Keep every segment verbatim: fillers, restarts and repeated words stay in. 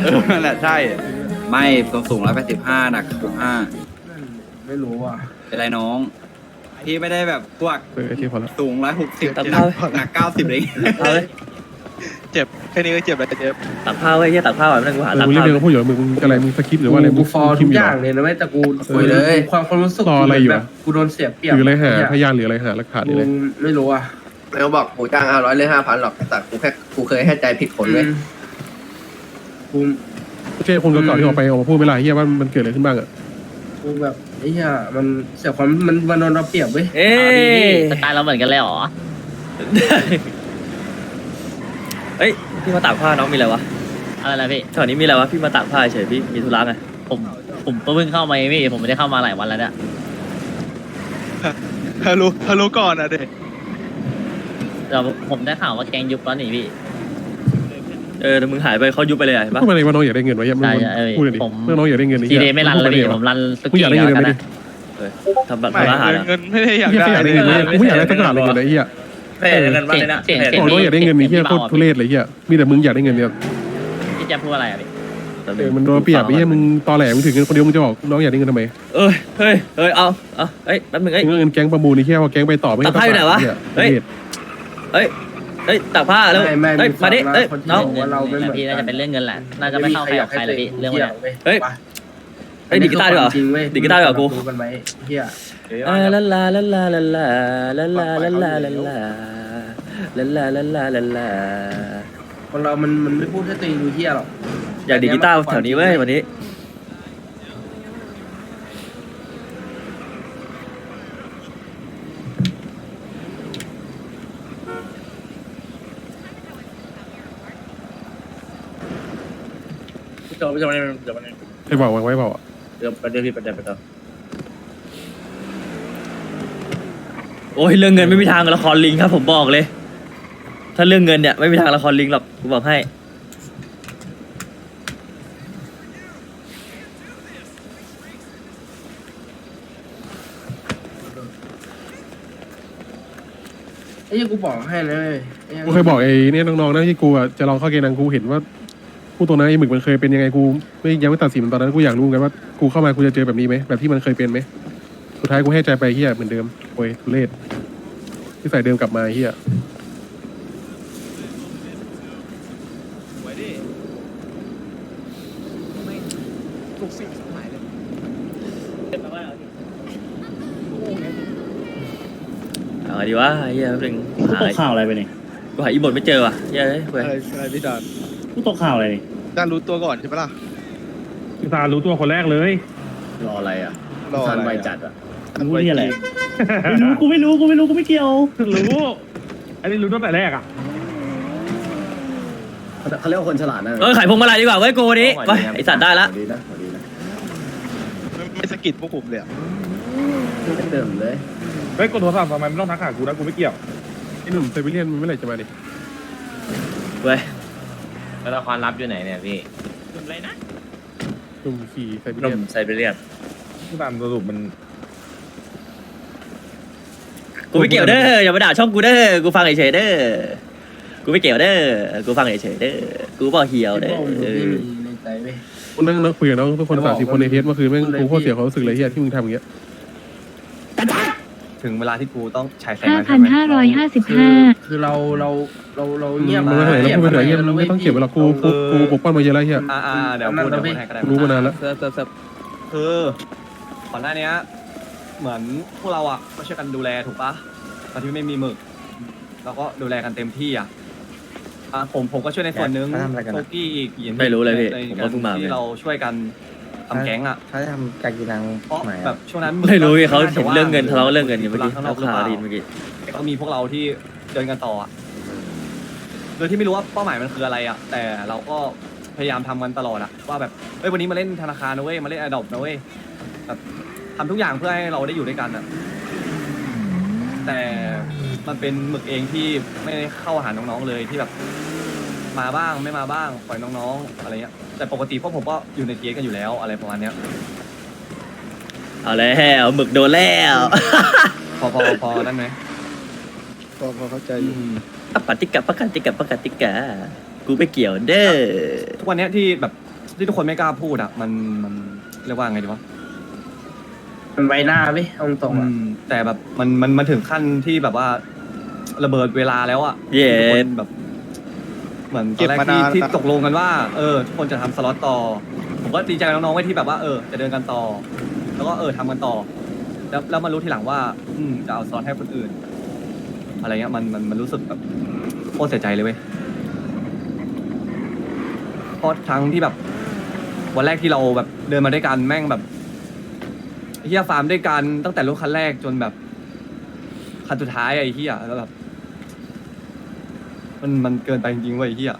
อนั่นแหละใช่ไม่ตัวสูงร้อยแปดสิบห้าหนักสิบห้าไม่รู้อ่ะเป็นไรน้องพี่ไม่ได้แบบพวกเออที่พอแล้วสูงร้อยหกสิบตัดผ้าหนักเก้าสิบเลยเอาเลยเจ็บแค่นี้ก็เจ็บแล้วเจ็บตักผ้าไว้เฮียตักผ้าไว้ไม่ต้องกูหาเออตักมึงรีบผ้าเรียนก็พูดอยู่มึงมึงอะไรมึงสคริปต์หรือว่าอะไรมึกูงฟอร์คิทุมกอยู่อย่างเหรอเลยนะเว้ยแต่กูคุยเลยความความรู้สึกรออะไรอยู่แบอะบกูโดนเสียเปรียบหรืออะไรหาพเนี่ยยานหรืออะไรหาหลักฐานหรืออะไรกูไม่รู้อ่ะไม่เขาบอกกูจ้างห้าร้อยเลยห้าพันหรอกแต่กูแค่กูเคยให้ใจผิดคนเลยอืมกูโอเคคนเก่าๆที่ออกไปออกมาพูดไม่ไรเฮียว่ามันเกิดอะไรขึ้นบ้างอะกูแบบไอ้เหี้ยมันเสียความมันมันโดนเราเปรียบเว้ยเอ้ยสไตล์เราเหมือนกันเลยเหรอเฮ้ยพี่มาตากผ้าน้องมีอะไรวะอะไรนะพี่แถวนี้มีอะไรวะพี่มาตากผ้าเฉยพี่มีธุระไงผมผมก็เพิ่งเข้ามาเองพี่ผมไม่ได้เข้ามาหลายวันแล้วเนี่ยฮัลโหลฮัลโหลก่อนอ่ะเด็กแต่ผมได้ข่าวว่าแกงยุบแล้วนี่พี่เออแต่มึงหายไปเขายุบไปเลยอะเห็นปะพูดมาเลยว่าน้องอยากได้เงินไว้เฮียมึงใช่ใช่เออพูดเลยดิผมเมื่อน้องอยากได้เงินทีเดย์ไม่รันแล้วพี่พูผดมรันสุมึงอกี้ยากได้แล้เงิวน กันไหมดินะเออทำบัตรไม่ทำอาหารเงินอะเงินไม่ได้อยากเฮียได้แค่อยากได้เงินเลยกูไม่อยากได้สักบาทเลยเงินไอ้เฮียเออเงินบ้านเลยนะเสียงเสียงบอกน้องอยากได้เงินนี่เฮียโคตรทุเรศเลยเฮียมีแต่มึงอยากได้เงินเนี่ยพี่แจะพูดอะไรอ่ะพี่เออมันโดนเปรียบไอ้เฮียมึงตอแหลมึงถึงเงินคนเดียวมึงจะบอกน้องอยากได้เงินทำไมเอ้ยเฮ้ยเฮ้ยเอาเอาเฮ้ยแป๊บนึงเอ้ยเงินแก๊งประมูลนี่แค่ว่าแก๊งไปต่อไม่ตัดผ้าอยู่ไหนวะเฮ้เฮ้ยย เฮ้ยเฮ้ยตากผ้าแล้วไม่ไม่เฮ้ยฟัมางดินะเฮ้ยคนที่น้องบอกว่าเราไม่เหมือนพี่น่าจะเป็นเรื่องเงินแหละน่าจะไม่ไม่มีเข้าใครใคอรยากกับให้ใครตัวเลยพี่เรื่องเรื่องมันมันเนี่ยเฮ้ย เฮ้ยดีดกีตาร์ดีกว่าจริงเว้ยดีดกีตาร์ดีกว่ากูรู้กันไหมเฮียลาลาลาลาลาลาลาลาลาลาลาลาลาลาลาลาลาลาลาคนเรามันมันไม่พูดให้ตัวเองดูเฮียหรอกอยากดีดกีตาร์แถวนี้เว้ยวันนี้เดี๋ยวเดี๋ยวเดี๋ยวไอ้บอกไว้บอกอะเดี๋ยวประเดี๋ยวพี่ประเดี๋ยวไปต่อโอ้ยเรื่องเงินไม่มีทางละครลิงครับผมบอกเลย ถ้าเรื่องเงินเนี่ยไม่มีทางละครลิงหรอกกูบอกให้ไอ้เหี้ยกูบอกให้นะเว้ยไอ้หี้กูเคยบอกไอ้เนี่ยน้องๆนะที่กูอะจะลองเข้าเกณฑ์นังกูเห็นว่าผู้ตัวนั้นไอ้หมึกมันเคยเป็นยังไงกูไม่ยังไม่ตัดสินมันตอนนั้นกูอยากรู้กันว่ากูเข้ามากูจะเจอแบบนี้ไหมแบบที่มันเคยเป็นไหมสุดท้ายกูให้ใจไปเฮียเหมือนเดิมโอ้ยทุเรศที่ใส่เดิมกลับมาเฮียเอาไงดีวะเฮียแป๊บนึงกูหาตกข่าวอะไรไปนี่กูหาอีบทไม่เจอว่ะเฮียเฮ้ยเว้ยอะไรอะไรพี่ดานกูตกข่าวอะไรนี่ดานรู้ตัวก่อนใช่ปะล่ะตารู้ตัวคนแรกเลยรออะไรอ่ะรออะไรไวอะจัดอ่ะรู้นี่อะไรไม่รู้กูไม่รู้กูไม่รู้กูไม่เกี่ยวรู้อันนี้รู้ตั้งแต่แรกอ่ะเขาเรียกว่าคนฉลาดนะเออขายพวงมาลัยดีกว่าเว้ยกูวันนี้ไปไอสัตว์ได้ละดีนะดีนะไม่สะกิดพวกผมเลยอะไม่เดิมเลยเฮ้ยกดโทรศัพท์ทำไมไม่ต้องทักหากูนะกูไม่เกี่ยวไอ้หนุ่มไซบีเรียนมันเมื่อไหร่จะมาดิเว้ยแล้วละครลับอยู่ไหนเนี่ยพี่หนุ่มขี่ไซบีหเรีนุ่ยนมไซบีเรียนผู้ตามสรุปมันกูไม่เกี่ยวเด้ออย่ามาด่าช่องกูเด้อกูฟังเฉยๆเด้อกูไม่เกี่ยวเด้อกูฟังเฉยๆเด้อกูบอกเหี่ยวไอ้เด้อพวกมึงเอไม่อมีในใจเว้ยกูนั่งนั่งคุยกับน้องทุกคนสามสิบคนในเทสเมื่อคืนแม่งกูโคตรเสียความรู้สึกเลยเฮียที่มึงทำอย่างเงี้ยถึงเวลาที่กูต้องใช้แสงห้าแล้วพัใช่นไหมห้าร้อยห้าสิบคือห้าคือเราเราเราเราเงียบมันไม่ไหนแล้วพูดไปไหนเฮียมึงไม่ต้องเก็บเวลากูกูกูปกป้องมาเยอะแล้วเฮียอ่าอ่าเดี๋ยวพูดเดี๋ยวพูดให้ก็ได้รู้มานานแล้วเซิร์ฟเซิร์ฟเซิร์ฟคือก่อนหน้านี้เหมือนพวกเราอ่ะก็ช่วยกันดูแลถูกปะตอนที่ไม่มีหมึกเราก็ดูแลกันเต็มที่อ่ะอ่าผมผมก็ช่วยในส่วนหนึงโตกี้อีกอย่างไม่รู้เลยพี่ในผมกาก็เพิ่งมาที่เนี่ยเราช่วยกันทำแก๊งอ่ะเขาจะทำการกินนังเพราะใหม่แบบช่วงนั้นไม่รู้ก็พี่เขาน่เห็นว่เรื่องเงินทะเลาะเรื่องเงินอยู่เมื่อกี้ข้างนเขาอกหรือข่าวเปล่าไดีเมื่อกี้แต่ก็มีพวกเราที่เดินกันต่ออ่ะโดยที่ไม่รู้ว่าเป้าหมายมันคืออะไรอ่ะ แต่เราก็พยายามทำกันตลอดอะว่าแบบเฮ้ยวันนี้มาเล่นธนาคารนะเว้ยมาเล่นไอดอปนะเว้ยแบบทำทุกอย่างเพื่อให้เราได้อยู่ด้วยกันอ่ะ แต่มันเป็นหมึกเองที่ไม่ได้เข้าหาน้องๆเลยที่แบบ มาบ้างไม่มาบ้างปล่อยน้องๆอะไรเงี้ยแต่ปกติพวกผมก็อยู่ในเกียร์กันอยู่แล้วอะไรประมาณเนี้ยเอาแล้วหมึกโดนแล้วพอพอพอนั่นไหมพอพอเข้าใจออืยู่มปฏิกะปกติกะปกติกะกูไม่เกี่ยวเด้อทุกวันเนี้ยที่แบบที่ทุกคนไม่กล้าพูดอะมันมันเรียกว่าไงดีวะมันไว้หน้าเว้ยเอาตรงๆอือ่ะมแต่แบบมันมันมันถึงขั้นที่แบบว่าระเบิดเวลาแล้วอะเย้ทุกคนแบบ เหมือนตอนแรกที่ที่ตกลงกันว่า เออทุกคนจะทำสล็อตต่อ ผมก็ดีใจกับน้องๆไว้ที่แบบว่าเออจะเดินกันต่อ แล้วก็เออทำกันต่อ แล้วแล้วมารู้ทีหลังว่า อืมจะเอาสล็อตให้คนอื่น อะไรเงี้ยมันมันมันรู้สึกแบบโคตรเสียใจเลยเว้ยเพราะทั้งที่แบบ วันแรกที่เราแบบเดินมาด้วยกันแม่งแบบไอ้เฮียฟาร์มด้วยกันตั้งแต่รถคันแรกจนแบบคันสุดท้ายไอ้เฮียแล้วแบบ มันมันเกินไปจริงๆเว้ยไอ้เฮีย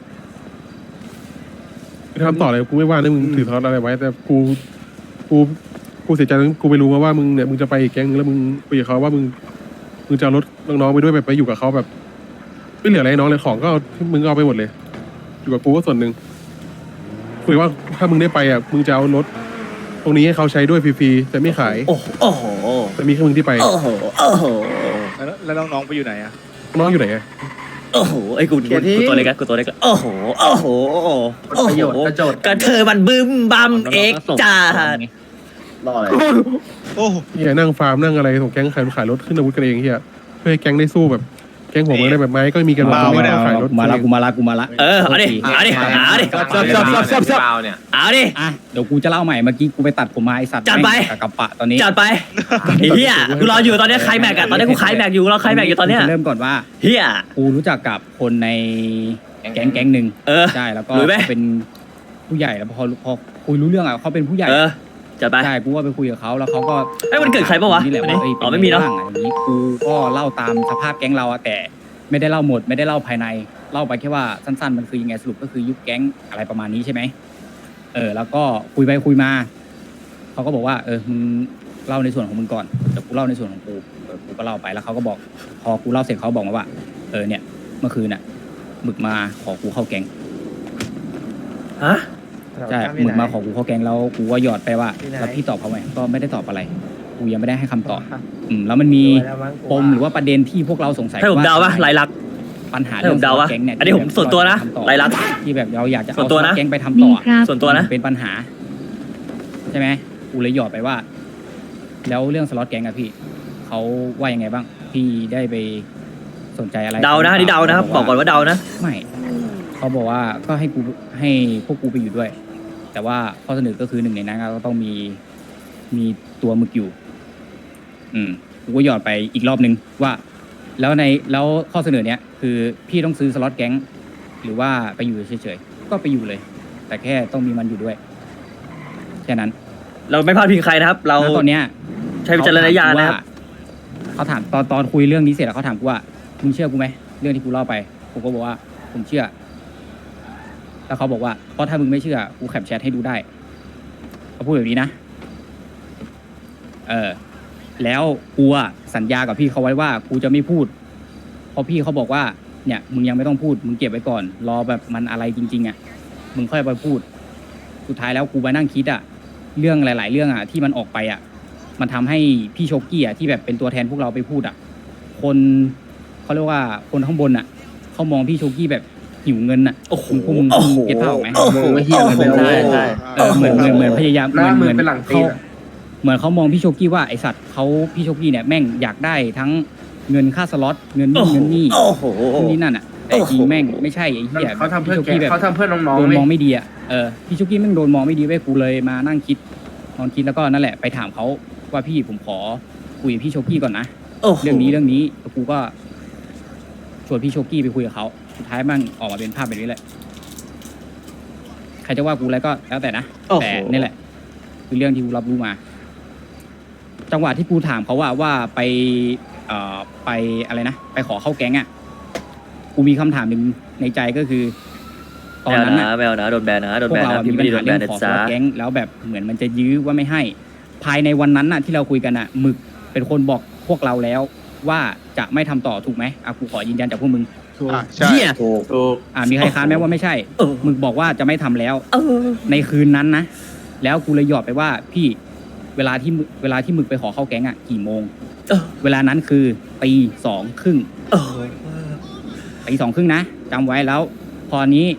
ทำต่อเลยกูไม่ว่านะมึงอืมถือทอดอะไรไว้ แต่กูกูกูเสียใจนะกูไปรู้มาว่ามึงเนี่ยมึงจะไปอีกแก๊งนึงแล้วมึงคุยกับเขาว่ามึงมึงจะเอารถน้องๆไปด้วยแบบไปอยู่กับเขาแบบ ไม่เหลืออะไรให้น้องเลยของก็เอามึงก็เอาไปหมดเลย อยู่กับกูก็ส่วนหนึ่งคุยว่าถ้ามึงได้ไปอ่ะมึงจะเอารถ ตรงนี้ให้เขาใช้ด้วยฟรีๆแต่ไม่ขายโอ้โหโอ้โหแต่มีแค่มึงที่ไปโอ้โหโอ้โหแล้วแล้วน้องๆไปอยู่ไหนอะน้องอยู่ไหนอะโอ้โหไอ้กูกูกูตัวเล็กอะกูตัวเล็กอะโอ้โหโอ้โหโอ้ประโยชน์โหประโยชน์กระเทยมันบึ้มบัมเอ็กจ้ารออะไรโอ้เฮียนั่งฟาร์มนั่งอะไรของแก๊งขายขายรถขึ้นอาวุธกันเองเฮียเพื่อให้แก๊งได้สู้แบบแก๊งหัวเมืองได้แบบไม้ก็มีกันหมดไม่ต้องขายรถมาละกูมาละกูมาละเออเอาดิเอาดิเอาดิซับซับซับซับซับซับเนี่ยเอาดิอ่ะเดี๋ยวกูจะเล่าใหม่เมื่อกี้กูไปตัดผมมาไอสัตว์จัดไปแม่งกับกระปะตอนนี้จัดไปไอ้เฮียกูรออยู่ตอนเนี้ยใครแม็กอะตอนนี้กูขายแม็กอยู่รอใครแม็กอยู่ตอนเนี้ยกูจะเริ่มก่อนว่าเฮียกูรู้จักกับคนในแก๊งแก๊งหนึ่งเออใช่แล้วก็รู้ไหมเป็นผู้ใหญ่แล้วพอพอคุยรู้เรื่องอ่ะเขาเป็นผู้ใหญ่เออจัดไปใช่กูก็ไปคุยกับเขาแล้วเขาก็เอ้ยมันเกิดใครปะวะนี่แหละวันนี้ว่าเอ้ยอ๋อไม่มีเนอะป็บ้างอะไรอย่างนี้กูก็เล่าตามสภาพแก๊งเราอะแต่ไม่ได้เล่าหมดไม่ได้เล่าภายในเล่าไปแค่ว่าสั้นๆมันคือยังไงสรุปก็คือยุบแก๊งอะไรประมาณนี้ใช่ไหมเออแล้วก็คุยไปคุยมาเขาก็บอกว่าเออมึงเล่าในส่วนของมึงก่อนเดี๋ยวกูเล่าในส่วนของกูเออกูก็เล่าไปแล้วเขาก็บอกพอกูเล่าเสร็จเขาบอกมาว่าเออเนี่ยเมื่อคืนน่ะหมึกมาขอกูเข้าแก๊งฮะใช่หมึกมาขอกูเข้าแก๊งแล้วกูก็หยอดไปว่าแล้วพี่ตอบเขาไหมก็ไม่ได้ตอบอะไรกูยังไม่ได้ให้คำตอบอืมแล้วมันมีปมหรือว่าประเด็นที่พวกเราสงสัยให้ผมเดาปะลายลักษณ์ปัญหาให้ผมเดาปะแก๊งเนี่ยอันนี้ผมส่วนตัวนะที่แบบลายลักษณ์ที่แบบเราอยากจะส่วเอานตัวนะแก๊งไปทำต่อส่วนตัวนะเป็นปัญหา ใช่ไหมกูเลยหยอดไปว่า แล้วเรื่องสล็อตแก๊งอะพี่เขาว่ายังไงบ้าง พี่ได้ไปสนใจอะไรเดานะอันนี่เดานะครับบอกก่อนว่าเดานะไม่เขาบอกว่าก็ให้กูให้พวกกูไปอยู่ด้วย แต่ว่าข้อเสนอก็คือหนึ่งในนั้นก็ต้องมีมีตัวหมึกอยู่ อืมกูก็หยอดไปอีกรอบนึงว่า แล้วในแล้วข้อเสนอเนี้ยคือพี่ต้องซื้อสล็อตแก๊งหรือว่าไปอยู่เฉยๆก็ไปอยู่เลย แต่แค่ต้องมีมันอยู่ด้วยแค่นั้นเราไม่พลาดพิงใครนะครับ เราแล้วตอนเนี้ยใช้วิจารณญาณนะครับเขาถามตอนตอนคุยเรื่องนี้เสร็จแล้วเขาถามกูว่ามึงเชื่อกูไหมเรื่องที่กูเล่าไปผมก็บอกว่าผมเชื่อ แล้วเขาบอกว่าเพราะถ้ามึงไม่เชื่อกูแคปแชทให้ดูได้เขาพูดแบบนี้นะเออแล้วกูอะสัญญากับพี่เขาไว้ว่ากูจะไม่พูดเพราะพี่เขาบอกว่าเนี่ยมึงยังไม่ต้องพูดมึงเก็บไว้ก่อน รอแบบมันอะไรจริงๆอ่ะมึงค่อยไปพูด สุดท้ายแล้วกูไปนั่งคิดอ่ะเรื่องหลาย ๆ เรื่องอ่ะที่มันออกไปอ่ะมันทำให้พี่โชกี้อ่ะที่แบบเป็นตัวแทนพวกเราไปพูดอ่ะคนเขาเรียกว่าคนข้างบนอ่ะเขามองพี่โชกี้แบบหิวเงินอ่ะโอ้โหมึงพวกมึงโอ้โหเก็ตภาพออกไหมโอ้โหโอ้โหเหี้ยเลยใช่ใช่เออเหมือนเหมือนเหมือนพยายามหน้ามือเหมือนเป็นหลังตีเขานอะเหมือนเขามองพี่โชกี้ว่าไอสัตว์เขาพี่โชกี้เนี่ยแม่งอยากได้ทั้งเงินค่าสล็อตเงินโอ้นี่โหเงินนี่โอ้โหนู่นนี่นั่นอ่ะแต่จริงแม่งไม่ใช่ไอ้เหี้ยเขาทำเพื่อพี่โชแกกี้แบบเขาทำเพื่อน้องโดๆนเว้ยมองไม่ดีอ่ะเออพี่โชกี้แม่งโดนมองไม่ดีเว้ยกูเลยมานั่งคิดนอนคิดแล้วก็นั่นแหละไปถามเขาว่าพี่ผมขอคุยกับพี่โชกี้ก่อนนะโอ้โหเรื่องนี้เรื่องนี้แล้วกูก็ชวนพี่โชกี้ไปคุยกับเขาสุดท้ายมันออกมาเป็นภาพแบบนี้แหละใครจะว่ากูอะไรก็แล้วแต่นะโอ้โหแต่นี่แหละ คือเรื่องที่กูรับรู้มา จังหวะที่กูถามเขาว่าว่าไปเอ่อไปอะไรนะไปขอเข้าแก๊งอ่ะกูมีคำถามหนึ่งในใจก็คือ ตอนนั้นไม่น่ะเอานะไม่เอานะโดนแบนนะโดนพวแบกนเรานะอะพี่มีไม่ปัญได้โดหานแบเรื่อน งนะขอสจ๊ะล็อตแก๊งแล้วแบบเหมือนมันจะยื้อว่าไม่ให้ ภายในวันนั้นน่ะที่เราคุยกันอ่ะหมึกเป็นคนบอกพวกเราแล้วว่าจะไม่ทำต่อถูกไหมอ่ะกูขอยืนยันจากพวกมึงอ่ะใช่เหี้ยถูกถูกอ่ามีใครค้านไหมว่าไม่ใช่เออหมึกบอกว่าจะไม่ทำแล้วเออในคืนนั้นนะ แล้วกูเลยหยอดไปว่าพี่เวลาที่มึเวลาที่หมึกไปขอเข้าแก๊งอ่ะกี่โมงเออเวลานั้นคือตีสองครึ่งเออตีสองครึ่งนะจำไว้แล้ว พอนี้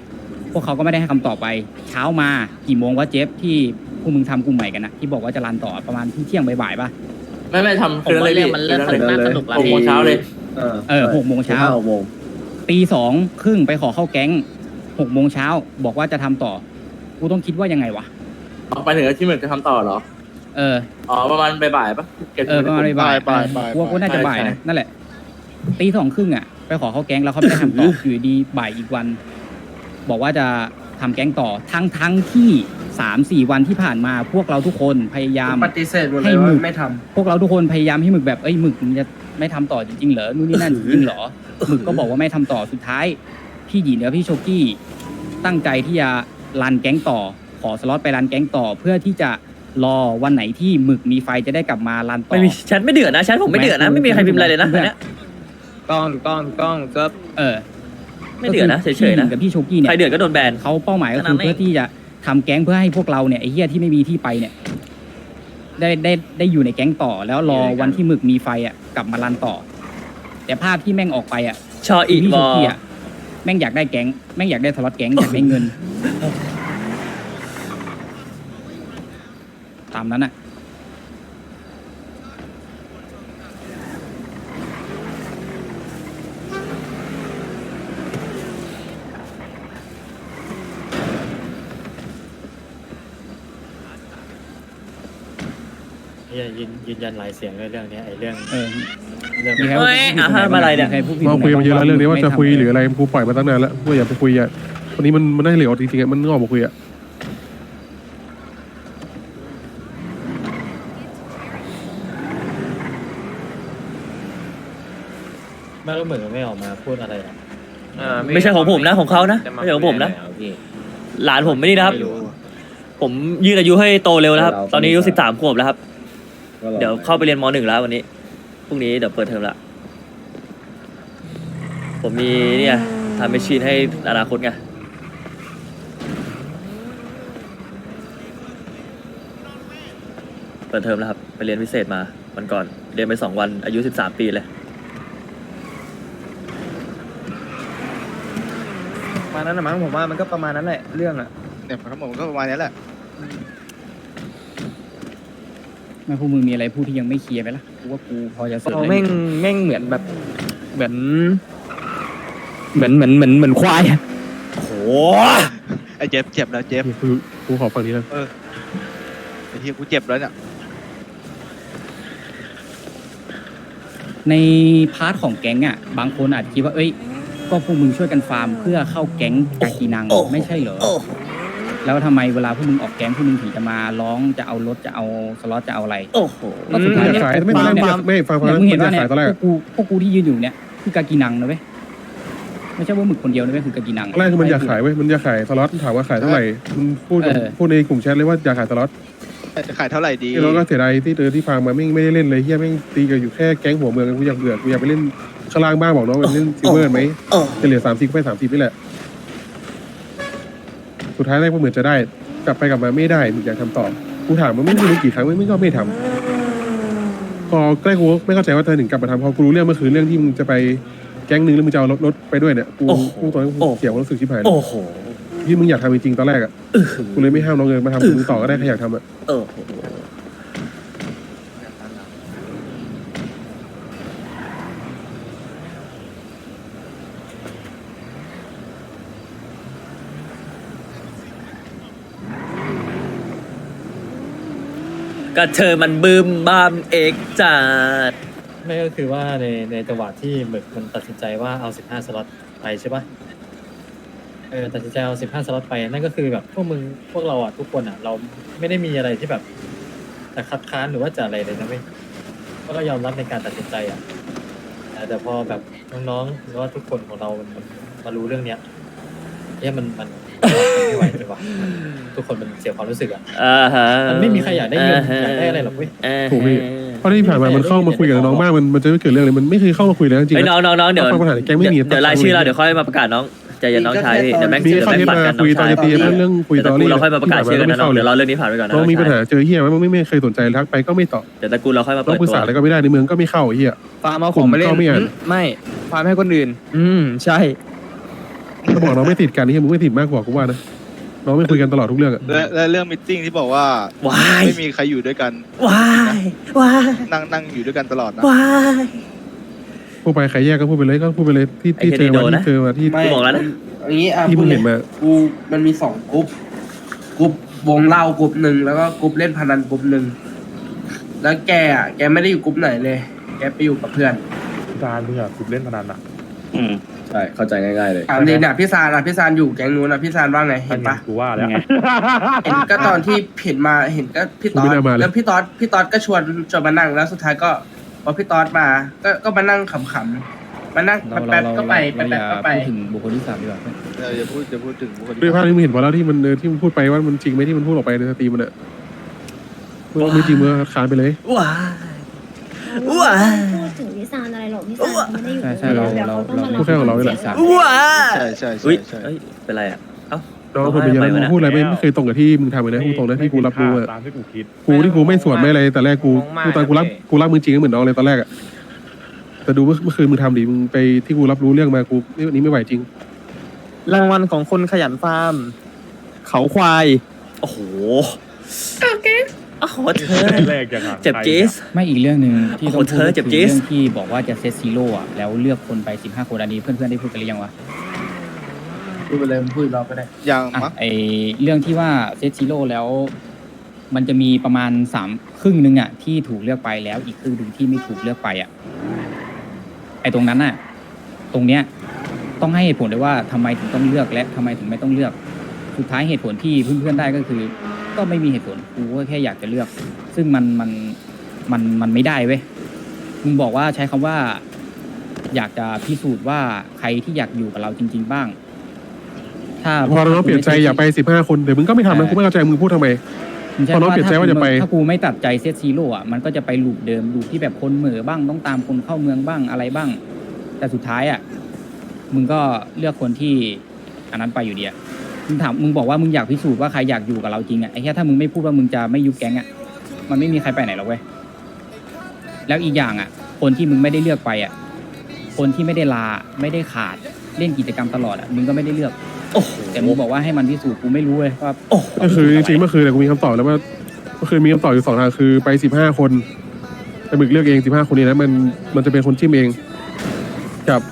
พวกเขาก็ไม่ได้ให้คำตอบไป เช้ามากี่โมงวะเจฟที่พวกมึงทำกลุ่มใหม่กันนะที่บอกว่าจะรันต่อประมาณที่เที่ยงบ่ายๆป่ะไม่ไม่ทำผมคืนว่าเลยเรื่อพี่งมันเริ่มสนุกน่าสนุกแล้วหกโมงพี่เช้าเลยเออเออหกโมงเช้าหกโมงตีสองครึ่งไปขอเข้าแก๊งหกโมงเช้าบอกว่าจะทำต่อกูต้องคิดว่ายังไงวะไปถึงที่เหมือนจะทำต่อเหรอเอออ๋อประมาณบ่ายๆปะเออประมาณบ่ายบ่ายบ่ายๆกูว่ากูน่าจะบ่ายนะนั่นแหละตีสองครึ่งอ่ะไปขอเข้าแก๊งแล้วเขาไม่ได้ทำต่อ อยู่ดีบ่ายอีกวัน บอกว่าจะทำแก๊งต่อทั้งทั้งที่สามสี่วันที่ผ่านมาพวกเราทุกคนพยายามปฏิเสธหมดเลให้ยหมึว่าก ไม่ทพวกเราทุกคนพยายามให้หมึกแบบเอ้ยหมึกมึงจะไม่ทำต่อจริงๆเหรอนู่นนี่นั่นจริงๆเหรอหมึกก็บอกว่าไม่ทำต่อสุดท้ายพี่หยีกับพี่โชกี้ตั้งใจที่จะรันแก๊งต่อขอสล็อตไปรันแก๊งต่อ เพื่อที่จะรอวันไหนที่หมึกมีไฟจะได้กลับมารันต่อไม่มีแชทไม่เดือดนะแชทผมไม่เดือดนะไม่มีใครพิมพ์อะไรเลยนะอันเนี้ยต้องถูกต้องถูกต้องก็เออไม่เดือดนะเฉยๆพี่หนะกับพี่โชกี้เนี่ใครยเดือดก็โดนแบนเขาเป้าหมายก็แค่นั้คือนเองเพื่อที่จะทำแก๊งเพื่อให้พวกเราเนี่ยไอ้เหี้ยที่ไม่มีที่ไปเนี่ย ได้ได้ได้อยู่ในแก๊งต่อ แล้วรอวันที่หมึกมีไฟอ่ะกลับมารันต่อ แต่ภาพที่แม่งออกไปอ่ะชออีพี่วโชอกี้อ่ะแม่งอยากได้แก๊งแม่งอยากได้สล็อตแก๊งอยากได้เงิน ตามนั้นอ่ะยืนยืนยันหลายเสียงเลยเรื่องเนี้ยไอ้เรื่องเออเรื่องมีใครเฮ้ยอ่ะฮะมาอะไรเนี่ยมีใคพูดผิดเราคุยกันมาเยอะแล้วเรื่องนี้ว่าจะคุยหรือม่ทำอะไรกูปล่อยมาตั้งนานแล้วว่าอย่าไปคุยอ่ะวันนี้มันมันได้เหลวจริงๆอ่ะมันงอกมาคุยอ่ะไม่รู้เหมือนไม่ออกมาพูดอะไรอ่ะอ่าไม่ใช่ของผมนะของเขานะจไม่ใช่ของผมนะคุยอะไรเหรอพี่หลานผมไม่นี่นะครับ ผมยืดอายุให้โตเร็วแล้วครับ ตอนนี้อายุสิบสามขวบแล้วครับ เดี๋ยวเข้าไปเรียนมหนึ่งแล้ววันนี้ พรุ่งนี้เดี๋ยวเปิดเทอมละ ผมมีเนี่ยทำแมชชีนให้อนาคตไง เปิดเทอมแล้วครับ ไปเรียนพิเศษมาวันก่อน เรียนไปสองวันอายุสิบสามปีเลยประมาณนั้นนะมั้งผมว่ามันก็ประมาณนั้นแหละเรื่องอ่ะเนี่ยทั้งหมดมันก็ประมาณนี้แหละไม่พวกมึงมีอะไรพูดที่ยังไม่เคลียร์ไหมล่ะกูว่ากูพอจะเสริมเขาได้แม่งแม่งเหมือนแบบเหมือนเหมือนเหมือนเหมือนเหมือนควายอะโหไอ้เจ็บเจ็บแล้วเจ็บกูกูขอฝั่งนี้แล้วไอ้ที่กูเจ็บแล้วเนี่ยในพาร์ทของแก๊งอ่ะ บางคนอาจคิดว่าเอ้ยก็พวกมึงช่วยกันฟาร์มเพื่อเข้าแก๊งกากีนังไม่ใช่เหรอ แล้วทำไมเวลาพวกมึงออกแก๊งพวกมึงถึงจะมาร้องจะเอารถจะเอาสล็อตจะเอาอะไรโอ้โหก็สุดท้ายอยากเนี่ยขายไม่ตอนแรกไม่อยากไม่ฟังฟังเนี่ยแล้วมึงมัเห็นนว่าจะเนี่ยขายตอนแรกพวกกูพวกกูที่ยืนอยู่เนี่ยคือกากีนังนะเว้ยไม่ใช่ว่าหมึกคนเดียวนะเว้ยคือกากีนังตอนแรกคือมันอยากขายเว้ยมันอยากขายสล็อตถามว่าขายเท่าไหร่มันพูดกับเออพูดในกลุ่มแชทเลยว่าอยากขายสล็อตจะขายเท่าไหร่ดีแล้วก็เสียดายที่เจอที่ฟังมาไม่ไม่ได้เล่นเลยเฮียแม่งตีกันอยู่แค่แก๊งหัวเมืองกูอยากเบื่อกูอยากไปเล่นข้างล่างบ้างบอกน้องไปเล่นซิลเวอร์ไหมจะเหลือสามสิบก็ไปสามสิบนี่แหละสุดท้ายแรกก็เหมือนจะได้กลับไปกลับมาไม่ได้มึงอยากทำต่อกูถามมันไม่รู้กี่ครั้งไม่ไม่ก็ไม่ทำพอใกล้กูไม่เข้าใจว่าเธอถึงกลับมาทำพอกูรู้เรื่องเมื่อคืนเรื่องที่มึงจะไปแก๊งหนึงแล้วมึงจะเอารถรถไปด้วยเนี่ยกูโอ้โหกูตอนนั้นกูเสียความรู้สึกชิบหายเลยโอ้โหที่มึงอยากทำจริงๆตอนแรกอ่ะกูเลยไม่ห้ามน้องเงินมาทำมึงต่อก็ได้ใครอยากทำอ่ะโอ้โห ก็เธอมันบึมบ้ามเอกจัดไม่ก็คือว่าในในจังหวะที่หมึกมันตัดสินใจว่าเอาสิบห้าสล็อตไปใช่ปะเออตัดสินใจเอาสิบห้าสล็อตไปนั่นก็คือแบบพวกมึงพวกเราอ่ะทุกคนอ่ะ เราไม่ได้มีอะไรที่แบบจะคัดค้านหรือว่าจะอะไรเลยนะเว้ยก็ก็ยอมรับในการตัดสินใจอ่ะแต่แต่พอแบบน้องๆหรือว่าทุกคนของเรามันมันมารู้เรื่องเนี้ยเนี่ยมันมันมันไม่ไหวเลยว่ะทุกคนมันเสียความรู้สึกอ่ะอ่าฮะมันไม่มีใครอยากได้เงินอยากได้อะไรหรอกเว้ยอ่าฮะถูกพี่ เพราะที่ผ่านมามันเข้ามาคุยกับน้องมากมันมันจะไม่เกิดเรื่องเลยมันไม่เคยเข้ามาคุยเลยจริงๆไอ้น้นะองน้องน้องเดี๋ยวฟังปัญหาในแก๊งไม่มีเดี๋ยวรายชื่อเราเดี๋ยวค่อยมาประกาศน้องใจเย็นน้องชายพี่เดี๋ยวแม็กซ์มีเดี๋ยวเข้าแม็กที่ซ์ปัดมากันน้คุอย งตอชาน ยจะตีเรื่องเรื่องคุยเดี๋ยวตอตระกูรี่ลเราค่อยมาประกาศชื่อกันนะน้องเดี๋ยวเราเรื่องนี้ผ่านไปก่อนนะน้องมีปัญหาน้องชายเจอเฮียมันไม่ไม่เคยสนใจทักไปก็ไม่ตอบเดี๋ยวตระกูลเราค่อยมาต้อเปิงดปรึกตัวษาอะไรก็ไม่ได้ในเมืองก็ไม่เข้าเฮียฟาร์มเอาของมาเล่นผมก็ไม่อ่านอืมไม่ฟาร์มให้คนอื่น อืมใช่ถ้าบอกน้องไม่ติดกันนี่มึงไม่ติดมากกว่ากูว่านะน้องไม่คุยกันตลอดทุกเรื่องอะและและเรื่องมิทติ้งที่บอกว่าว้ายไม่มีใครอยู่ด้วยกันว้ายว้ายนั่งนั่งอยู่ด้วยกันตลอดนะว้ายพูดไปใครแยกก็พูดไปเลยก็พูดไปเลยที่ที่ไอ้เจเคนอนี่โดมานนะที่เจอมาที่ไม่บอกแล้วนะอย่างนี้อ่ะที่มึพูดงเลเห็ยนมากูมันมีสองกรุ๊ปกรุ๊ปวงเล่ากรุ๊ปหนึ่งแล้วก็กรุ๊ปเล่นพนันกรุ๊ปหนึ่งแล้วแกอ่ะแกไม่ได้อยู่กรุ๊ปไหนเลย แกไปอยู่กับเพื่อนการมึงอะคุบเล่นพนันอะอืมใช่เข้าใจง่ายๆเลยถามเลยเนี่ยพี่ซานอ่ะพี่ซานอยู่แก๊งนู้นนะพี่ซานว่าไงเห็นปะกูว่าแล้วเห็นก็ตอนที่เห็นมาเห็นก็พี่ต๊อดแล้วพี่ต๊อดพี่ต๊อดก็ชวนชวนมานั่งแล้วสุดท้ายก็พอพี่ต๊อดมาก็ก็มานั่งขำๆมานั่งเราแป๊บเราๆก็ไปเราอแป๊ย่าบๆก็ไปพูดถึงบุคคลที่สามดีกว่าเอออย่าพูดอย่าพูดถึงบุคคลที่ด้วยภาพที่มึงเห็นมาแล้วที่มันเออที่มึงพูดไปว่ามันจริงไหมที่มันพูดออกไปในสตรีมมันอะเมื่อไม่จริงเมื่อคานไปเลยว้ายว้ายพูดถึงพี่ซานอะไรหรอกพี่ซานเขาไม่ได้อยู่ใช่ใช่เราดี๋ยวเราต้องมเราพูดแค่ของเรานี่แหละสียงว้ายใช่ใช่อุ้ใช่ยใช่เอ้ยเป็นไรอ่ะเอ้าน้องคนเป็นเยอะแล้วมึงพูดอะไรไม่ไม่เคยตรงกับที่มึงทำเลยนะพูดตรงนะที่กูรับรู้อะตามที่กูคิดกูที่กูไม่สวนไม่อะไรแต่แรกกูกูตอนกูรับกูรับมึงจริงก็เหมือนน้องเลยตอนแรกอะแต่ดูเมื่อเมื่อคืนมึงทำดิมึงไปที่กูรับรู้เรื่องมากูนี่วันนี้ไม่ไหวจริงรางวัลของคนขยันฟาร์มเขาควายโอ้โหโอ้โหเธอแรกยังอะเจ็บจี๊สไม่อีกเรื่องหนึ่งที่ต้องโอ้พูดโหเธอก็เจ็บคือจี๊สเรื่องที่บอกว่าจะเซตซีโร่อะแล้วเลือกคนไปสิบห้าคนอันนี้เพื่อนๆได้พูดกันหรือยังวะพูดไปเลยมึงพูดเราก็ได้ยังอ่ะมั้งไอเรื่องที่ว่าเซตซีโร่แล้ว มันจะมีประมาณสามครึ่งหนึ่งอ่ะที่ถูกเลือกไปแล้วอีกครึ่งหนึ่งที่ไม่ถูกเลือกไปอ่ะไอตรงนั้นน่ะ ตรงเนี้ยต้องให้เหตุผลด้วยว่าทำไมถึงต้องเลือกและทำไมถึงไม่ต้องเลือก สุดท้ายเหตุผลที่เพื่อนๆได้ก็คือ ก็ไม่มีเหตุผลกูก็แค่อยากจะเลือก ซึ่งมันมันมันมันไม่ได้เว้ยมึงบอกว่าใช้คำว่า อยากจะพิสูจน์ว่าใครที่อยากอยู่กับเราจริง ๆ บ้าง ถ้าพอน้องเปลี่ยนใจอยากไปสิบห้าคนเดี๋ยวมึงก็ไม่ทำนะกูไม่เข้าใจมึงพูดทำไมผมใช่พอน้องเปลี่ยนใจว่าจะไปถ้ากูไม่ตัดใจเซตซีโร่อะมันก็จะไปลูปเดิมลูปที่แบบคนเหม่อบ้างต้องตามคนเข้าเมืองบ้างอะไรบ้าง แต่สุดท้ายอ่ะมึงก็เลือกคนที่อันนั้นไปอยู่ดีอะมึงถามมึงบอกว่ามึงอยากพิสูจน์ว่าใครอยากอยู่กับเราจริงอ่ะไอ้แค่ถ้ามึงไม่พูดว่ามึงจะไม่ยุบแก๊งอ่ะมันไม่มีใครไปไหนหรอกเว้ยแล้วอีกอย่างอ่ะ คนที่มึงไม่ได้เลือกไปอ่ะคนที่ไม่ได้ลาไม่ได้ขาดเล่นกิจกรรมตลอดอ่ะมึงก็ไม่ได้เลือกโอ้โหแต่มึงบอกว่าให้มันพิสูจน์กูไม่รู้เลยว่าโอ้โหก็คือจริงๆเมื่อคืนเนี่ยกูมีคำตอบแล้วว่าเมื่อคืนมีคำตอบอยู่สองทางคือไปสิบห้าคนไปบึกเลือกเองสิบห้าคนนี้นะมันมันจะเป็นคนจิ้มเองกับ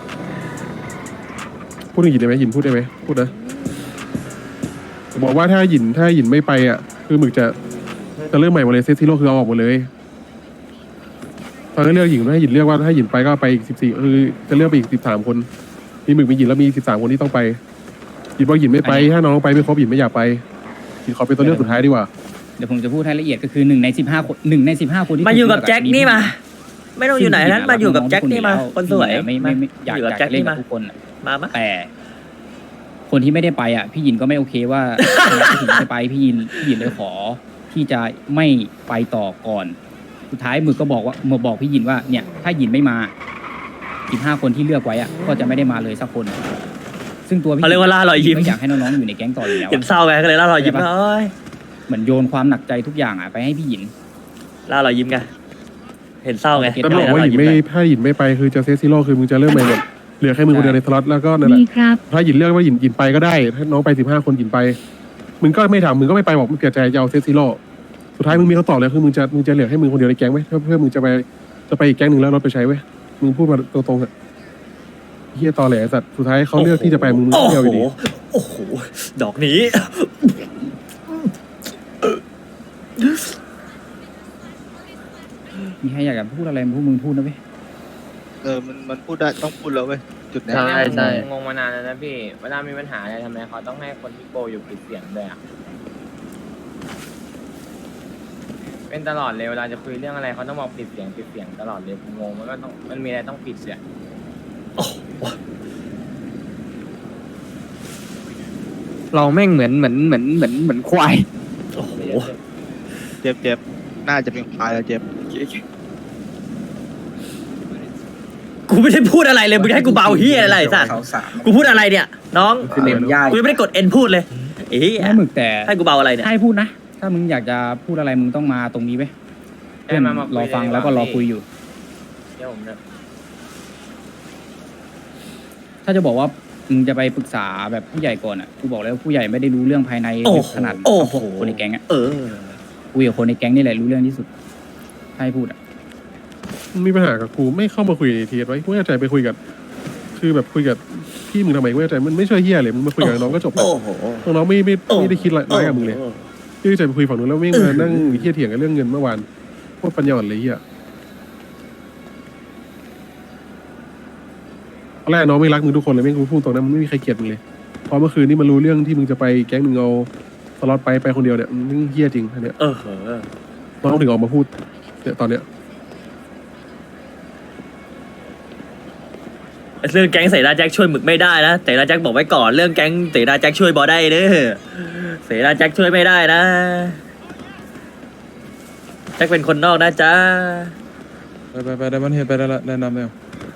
พูดถึงหยินได้ไหมหยินพูดได้ไหมพูดนะบอกว่าถ้าหยินถ้าหยินไม่ไปอ่ะคือหมึกจะจะเริ่มใหม่หมดเลยเซตซีโร่คือเอาออกหมดเลยตอนนั้นเลือกหญิงให้หยินเลือกว่าถ้าหยินไปก็ไปอีกสิบสี่คือจะเลือกไปอีกสิบสามคนมีหมึกมีหยินแล้วมีสิบสามคนที่ต้องไปหยินบอกหยินไม่ไปถ้าน้องไปไม่ครบหยินไม่อยากไปหยินขอเป็นตัวเลือกสุดท้ายดีกว่าเดี๋ยวผมจะพูดให้ละเอียดก็คือหนึ่งในสิบห้าคนหนึ่งในสิบห้าคนที่มาอยู่กับถูแจ็คเลืนี่อะมา ไม่ต้องอยู่ไหนนั้นมาอยู่กับแจ็คนี่มาคนสวยไม่ไม่ไม่อยากอยู่กับอยากแจ็คเล่นนี่กับมาทุกคนอะมามาแต่ คนที่ไม่ได้ไปอ่ะ พี่ยินก็ไม่โอเคว่า พี่ยินไม่ไปพี่ยินพี่ยินเลยขอ ที่จะไม่ไปต่อก่อน สุดท้ายหมึกก็บอกว่าหมึกบอกพี่ยินว่าเนี่ย ถ้ายินไม่มาสิบห้าคนที่เลือกไว้อ่ะก็จะไม่ได้มาเลยสักคน ซึ่งตัวพี่เขาเรียกว่าล่ารอยยิ้มก็อยากให้น้องๆอยู่ในแก๊งต่ออยู่แล้วเห็นอะเศร้าไงก็เลยล่ารอยยิ้มใช่ปะเอ้ยเหมือนโยนความหนักใจทุกอย่างอ่ะไปให้พี่ยินล่ารอยยิ้มไงเห็นเศร้าไงเก็ตแล้วได้บอกว่าหยินไม่ถ้าหยินไม่ไปคือจะเซตซีโร่คือมึงจะเริ่มใหม่หมดเหลือแค่มึงคนเดียวในสล็อตแล้วก็นั่นแหละมีครับถ้าหยินเลือกว่าหยินหยินไปก็ได้ถ้าน้องไปสิบห้าคนหยินไปมึงก็ไม่ทำมึงก็ไม่ไปบอกมึงเกลียดใจจะเอาเซตซีโร่สุดท้ายมึงมีคำตอบเลยคือมึงจะมึงจะเหลือให้มึงคนเดียวในแก๊งไหมเพื่อเพื่อมึงจะไปจะไปอีกแก๊งหนึ่งแล้วรถไปใช้เว้ยมึงพูดมาตรงๆอะเฮียตอแหลสัตว์สุดท้ายเขาเลือกที่จะไปมึงมึงโอ้เที่ยวอโหยู่ดีโอ้โหดอกนี้มีใครอยากจะพูดอะไรพวกมึงพูดนะเว้ยเออมันมันพูดได้ต้องพูดแล้วเว้ยจุดเนี้ยใช่ใช่งงมานานแล้วนะพี่ เวลามีปัญหาอะไรทำไมเขาต้องให้คนที่โกอยู่ปิดเสียงด้วยอ่ะ เป็นตลอดเลยเวลาจะคุยเรื่องอะไรเขาต้องบอกปิดเสียงปิดเสียงตลอดเลยผมงงมันก็ต้องมันมีอะไรต้องปิดเสียงเราแม่งเหมือนเหมือนเหมือนเหมือนเหมือนควายโอ้โหเจ็บเจ็บน่าจะเป็นควายแล้วเจ็บกูไม่ได้พูดอะไรเลยมึงให้กูเบาเฮียอะไรสัตว์เขาสามกูพูดอะไรเนี่ย น้องคือเนมย่ายกูยังไม่ได้กดเอ็นพูดเลยเอ้ยไม่หมึกแต่ให้กูเบาอะไรเนี่ยให้พูดนะ ถ้ามึงอยากจะพูดอะไรมึงต้องมาตรงนี้เว้ยเพื่อนรอฟังแล้วก็รอคุยอยู่เดี๋ยวผมจะถ้าจะบอกว่ามึงจะไปปรึกษาแบบผู้ใหญ่ก่อนอ่ะกูบอกแล้วาผู้ใหญ่ไม่ได้รู้เรื่องภายในโอ้โหขนาดโอ้กับโหพวกคนในแก๊งอ่ะเออคุยกับคนในแก๊งนี่แหละรู้เรื่องที่สุดให้พูดอ่ะมึงมีปัญหากับกูไม่เข้ามาคุยในทีไว้กูไม่เข้าใจไปคุยกับ คือแบบคุยกับพี่มึงทำไมกูไม่เข้าใจมันไม่ช่วยเฮียเลยมึงมาคุยกับน้องก็จบแล้วโอ้โหน้องไม่ไม่ไม่ได้คิดอะไรร้ายกับมึงเลยพี่จะไปคุยฝั่งนู้นแล้วไม่มานั่งเฮียเถียงกันเรื่องเงินเมื่อวานโคตรปัญญาอ่อนเลยเฮียตอนแรกน้องไม่รักมึงทุกคนเลยไม่กูพูดตรงนั้นมันไม่มีใครเกลียดมึงเลยพอเมื่อคืนนี้มันรู้เรื่องที่มึงจะไปแก๊งมึงเอาสล็อตไปไปคนเดียวเนี่ยมึงเฮียจริงอันเนี้ยเออน้องถึงออกมาพูดเนี่ยตอนเนี้ยเรื่องแก๊งเสนาแจ็คช่วยหมึกไม่ได้นะเสนาแจ็คบอกไว้ก่อนเรื่องแก๊งเสนาแจ็คช่วยบอได้เด้อเสนาแจ็คช่วยไม่ได้นะแจ็คเป็นคนนอกนะจ๊ะไปไปไปได้มันเห็นไปได้ละแนะนำแล้ว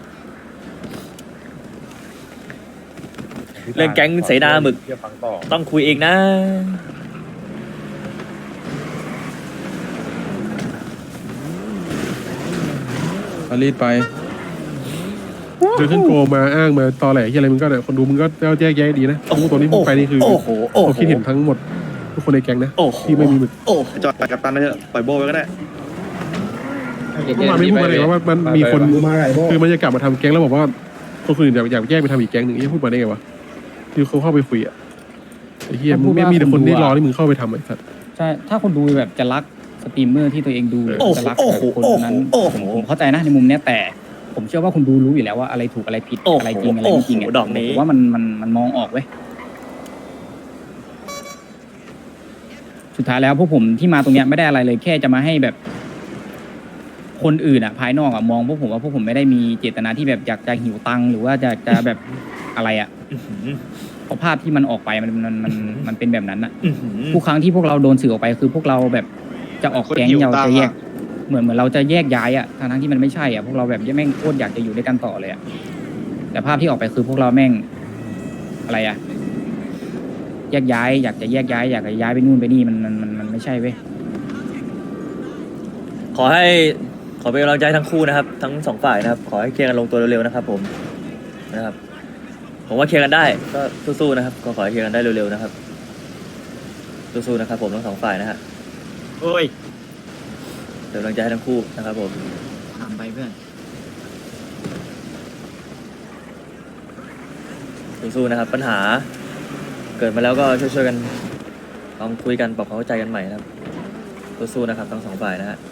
เรื่องแก๊งเสนาหมึกเดี๋ยวฟังต่อต้องคุยเองนะมารีดไปเดินขึ้นโกมาอ้างมาตอแหลที่อะไรมึงก็เนี่ยคนดูมึงก็แยกแยะดีนะทั้งตัวนี้มึงไปนี่คือโอ้โหโอ้โหเขาคิดเห็นทั้งหมดทุกคนในแก๊งนะโอ้โหที่ไม่มีหมึกโอ้โหจอดไปกับตันเลยเถอะปล่อยโบไปก็ได้เมื่อวานไม่พูดมาเลยว่ามันมีคนคือมันจะกลับมาทำแก๊งแล้วบอกว่าคนอื่นอยากอยากแยกไปทำอีกแก๊งหนึ่งไอ้พูดมาได้ไงวะคือเขาเข้าไปคุยอ่ะไอ้เฮียมึงไม่มีแต่คนที่รอที่มึงเข้าไปทำไอ้สัตว์ใช่ถ้าคนดูแบบจะรักสตรีมเมอร์ที่ตัวเองดูโอ้โหจะรักโอ้แบบโหคนโอ้โหนั้นโอ้โหผมผมเข้าใจนะในมุมเนี้ยแต่ ผมเชื่อว่าคุณดูรู้อยู่แล้วว่าอะไรถูกอะไรผิดโอ้โหอะไรจริงอะไรไม่จริงโอ้อะโหดอกนี้ผมว่ามันมันมันมองออกเว้ยสุดท้ายแล้วพวกผมที่มาตรงเนี้ยไม่ได้อะไรเลยแค่จะมาให้แบบ คนอื่นอ่ะ ภายนอกอ่ะมองพวกผมว่าพวกผมไม่ได้มีเจตนาที่แบบอยากจะหิวตังค์หรือว่าจะจะแบบอะไรอ่ะอื้อหือเพราะภาพที่มันออกไปมันมันมันมันเป็นแบบนั้นอ่ะอื้อหือทุกครั้งที่พวกเราโดนสื่อออกไปคือพวกเราแบบจะออกแก๊งคนหิวเราตังจะค์แยอะกเหมือนเหมือนเราจะแยกย้ายอ่ะทั้งๆที่มันไม่ใช่อ่ะพวกเราแบบแม่งโคตรอยากจะอยู่ด้วยกันต่อเลยอ่ะแต่ภาพที่ออกไปคือพวกเราแม่งอะไรอ่ะแยกย้ายอยากจะแยกย้ายอยากจะย้ายไปนู่นไปนี่มันมันมันมันไม่ใช่เว้ยขอให้ขอเป็นกำลังใจทั้งคู่นะครับ ทั้งสองฝ่ายนะครับ ขอให้เคลียร์กันลงตัวเร็วๆนะครับ ผมนะครับ ผมว่าเคลียร์กันได้ก็สู้ๆนะครับก็ขอให้เคลียร์กันได้เร็วๆนะครับสู้ๆนะครับ ผมทั้งสองฝ่ายนะฮะโอ้ยเป็นกำลังใจให้ทั้งคู่นะครับ ผมถามไปเพื่อนสู้ๆนะครับ ปัญหา เกิดมาแล้วก็ช่วยๆกันลองคุยกันปรับความเข้าใจกันใหม่นะครับสู้ๆนะครับทั้งสองฝ่ายนะฮะ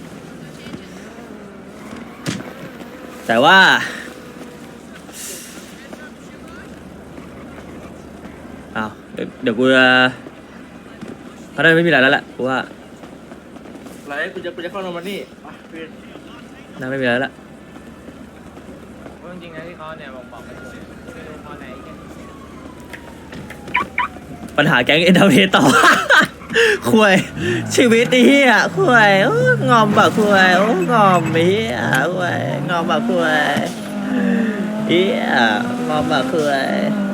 แต่ว่าอ้าวเดี๋ยวเดี๋ยวกูจะเขาได้ไม่มีอะไรแล้วแหละกูว่าไรกูจะกูจะเข้านอนมานี่น่าไม่มีอะไรแล้วล่ะเพราะจริงๆนะที่เขาเนี่ยบอกบอกกันเลยไม่รู้เพราะไหนกันปัญหาแก๊งเอ็นเตอร์เทนต่อ คุยชีวิตไอ้เหี้ยคุยโอ้งอมแบบคุยโอ้งอมไอ้เหี้ยคุยงอมแบบคุยเหี้ยงอมแบบคุย